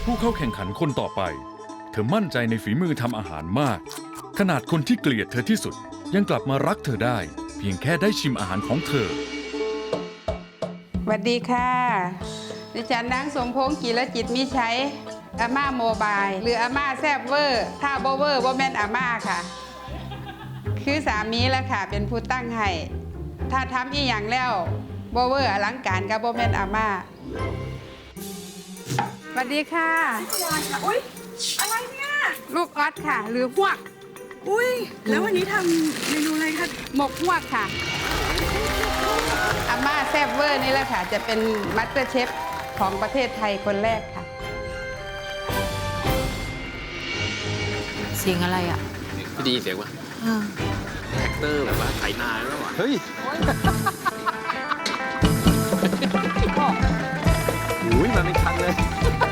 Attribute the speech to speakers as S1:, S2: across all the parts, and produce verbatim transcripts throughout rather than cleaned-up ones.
S1: ผู้เข้าแข่งขันคนต่อไป เธอมั่นใจในฝีมือทำอาหารมากขนาดคนที่เกลียดเธอที่สุดยังกลับมารักเธอได้เพียงแค่ได้ชิมอาหารของเธอ
S2: สวัสดีค่ะดิฉันนางสมพงษ์กีรจิตมิใช้อาม่าโมบายหรืออาม่าแซบเวอร์ถ้าโบเวอร์โบแมนอาม่าค่ะคือสามีแหละค่ะเป็นผู้ตั้งให้ถ้าทำอีกอย่างแล้วโบเวอร์อลังการกับโบแมนอาม่าสวัสดีค่ะ
S3: อุ้ยอะไรเนี่ย
S2: ลูกออสค่ะหรือพวก
S3: อุ้ยแล้ววันนี้ทำเมนูอะไรคะ
S2: หมกพวกค่ะอาม่าแซบเวอร์นี่แหละค่ะจะเป็นมัสเตอร์เชฟของประเทศไทยคนแรกค่ะ
S4: เสียงอะไรอ่ะ
S5: พี่ดีเสียงวะแท็กเตอร์แบบว่าไถนาแล้วอ่ะ
S6: เฮ้ยอุ้ยมาเป็นคันเลย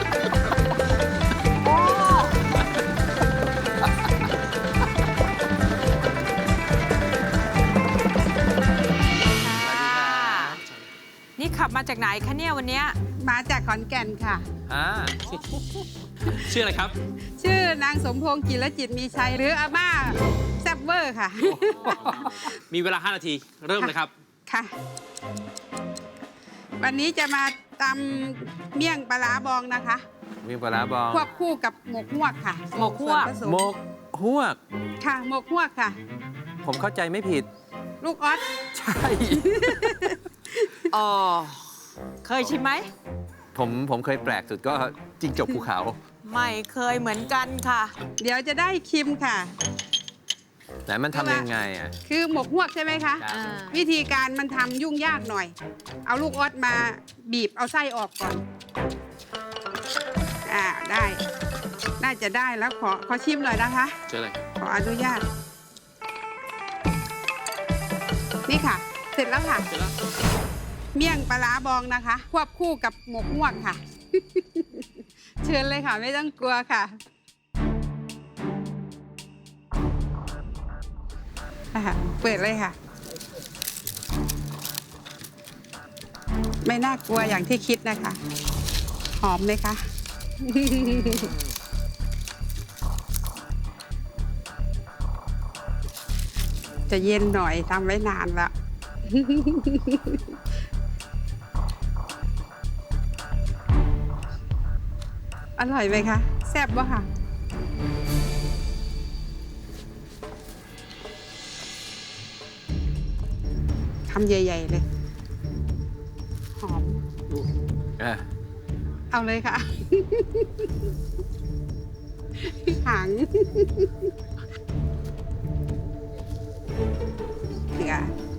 S4: นี่ขับมาจากไหนคะเนี่ยวันเนี้ย
S2: มาจากขอนแก่นค่ะ
S6: อ่า
S5: ชื่ออะไรครับ
S2: ชื่อนางสมพงษ์กิรจิตมีชัยหรืออาม่าแซบเวอร์ค่ะ
S5: มีเวลาห้านาทีเริ่มเลยครับ
S2: ค่ะ วันนี้จะมาตำเมี่ยงปลาร้าบองนะคะ
S6: มีปลาร้าบอง
S2: ควบคู่กับหมกฮวกค่ะ
S4: หมกฮวก
S2: ส่นผสม
S6: หมกฮวก
S2: ค่ะหมกฮวกค่ะ
S6: ผมเข้าใจไม่ผิด
S2: ลูกออส
S6: ใช่
S4: อ๋อเคยชิมไหม
S6: ผมผมเคยแปลกสุดก็จิงจกภูเขา
S4: ไม่เคยเหมือนกันค่ะ
S2: เดี๋ยวจะได้คิมค่ะ
S6: ไหนมันทำยังไงอ่ะ
S2: คือหมกฮวกใช่ไหมคะ
S4: อ่า
S2: วิธีการมันทำยุ่งยากหน่อย เอาลูกออสมาบีบเอาไส้ออกก่อน อ่าได้ น่าจะได้แล้วขอขอชิมหน่อยนะคะ
S5: เจออะไร
S2: ขออนุญาต นี่ค่ะ เสร็จแล้วค่ะ
S5: เจอแล้ว
S2: เมี่ยงปลาร้าบองนะคะ ควบคู่กับหมกฮวกค่ะ เชิญเลยค่ะ ไม่ต้องกลัวค่ะอ่ะเปิดเลยค่ะ ไม่น่ากลัวอย่างที่คิดนะคะ หอมไหมคะ จะเย็นหน่อยทำไว้นานแล้ว อร่อยไหมคะ แซ่บวะค่ะ คำใหญ่ ๆ เลย หอม
S6: อ่ะ
S2: เอาเลยค่ะ หางเกลือ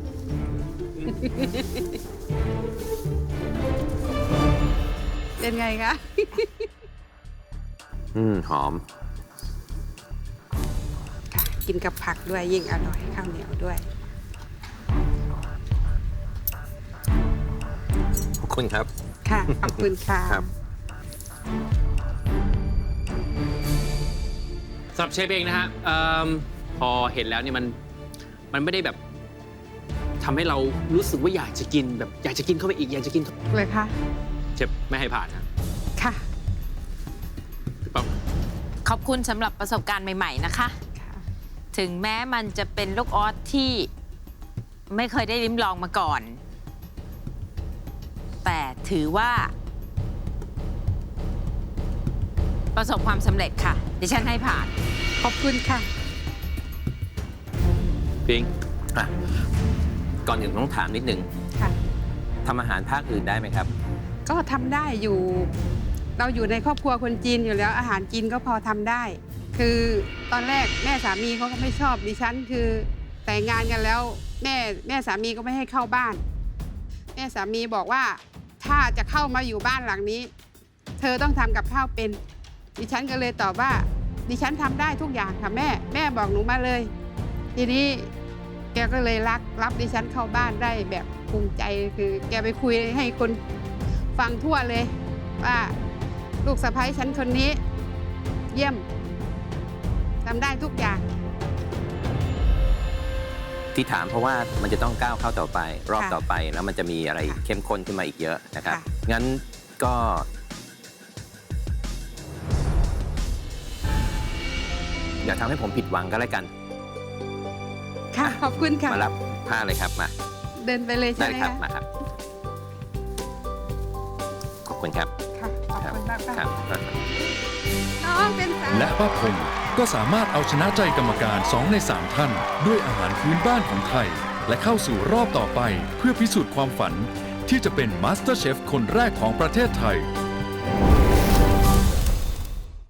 S2: เป็นไงคะ
S6: อืมหอม
S2: ค่ะ กินกับผักด้วยยิ่งอร่อยข้าวเหนียวด้วย
S6: ขอบคุณครับ
S2: ค่ะ ขอบคุณค่ะ
S6: ครับ
S5: สำหรับเชฟเองนะฮะเอิ่มพอเห็นแล้วเนี่ยมันมันไม่ได้แบบทำให้เรารู้สึกว่าอยากจะกินแบบอยากจะกินเข้าไปอีกอยากจะกิน
S2: เลยค่ะ
S5: เชฟไม่ให้ผ่านนะ
S2: ค่ะ
S5: พี่ป๊อป
S4: ขอบคุณสำหรับประสบการณ์ใหม่ ๆ นะคะ
S2: ค่ะ
S4: ถึงแม้มันจะเป็นลูกออสที่ไม่เคยได้ลิ้มลองมาก่อน แต่ถือว่า ประสบความสำเร็จค่ะ ดิฉันให้ผ่าน
S2: ขอบคุณค่ะ
S5: พิง
S6: อ่ะ ก่อนอื่นต้องถามนิดนึง
S2: ค่ะ
S6: ทำอาหารภาคอื่นได้ไหมครับ
S2: ก็ทำได้อยู่ เราอยู่ในครอบครัวคนจีนอยู่แล้วอาหารจีนก็พอทำได้ คือตอนแรกแม่สามีเขาก็ไม่ชอบดิฉันคือแต่งงานกันแล้วแม่แม่สามีก็ไม่ให้เข้าบ้าน แม่สามีบอกว่าถ้าจะเข้ามาอยู่บ้านหลังนี้ เธอต้องทำกับข้าวเป็น ดิฉันก็เลยตอบว่า ดิฉันทำได้ทุกอย่างค่ะแม่แม่บอกหนูมาเลย ทีนี้แกก็เลยรักรับดิฉันเข้าบ้านได้แบบภูมิใจคือแกไปคุยให้คนฟังทั่วเลย ว่าลูกสะใภ้ฉันคนนี้ เยี่ยมทำได้ทุกอย่าง
S6: ที่ถามเพราะว่ามันจะต้องก้าวเข้าต่อไป รอบ
S2: ค่ะ
S6: ต่อไปแล้วมันจะมีอะไร
S2: ค่ะ
S6: เข้มข้นขึ้นมาอีกเยอะนะครับ
S2: ค่ะ
S6: งั้นก็อย่าทำให้ผมผิดหวังก็แล้วกัน
S2: ค่ะ ขอบคุณค่ะ
S6: มารับผ้าเลยครับมา
S2: เดินไปเลย
S6: ได้
S2: ใช่ไหม
S6: ครับ
S2: คะ
S6: มาครับขอบคุณครับ
S2: ค่ะ ขอบคุณมาก
S6: ครั
S2: ค่ะ
S6: บ
S2: น้องเป็นสาว
S1: และป้าพงก็สามารถเอาชนะใจกรรมการสองในสามท่าน ด้วยอาหารพื้นบ้านของไทย และเข้าสู่รอบต่อไปเพื่อพิสูจน์ความฝัน ที่จะเป็นมาสเตอร์เชฟคนแรกของประเทศไทย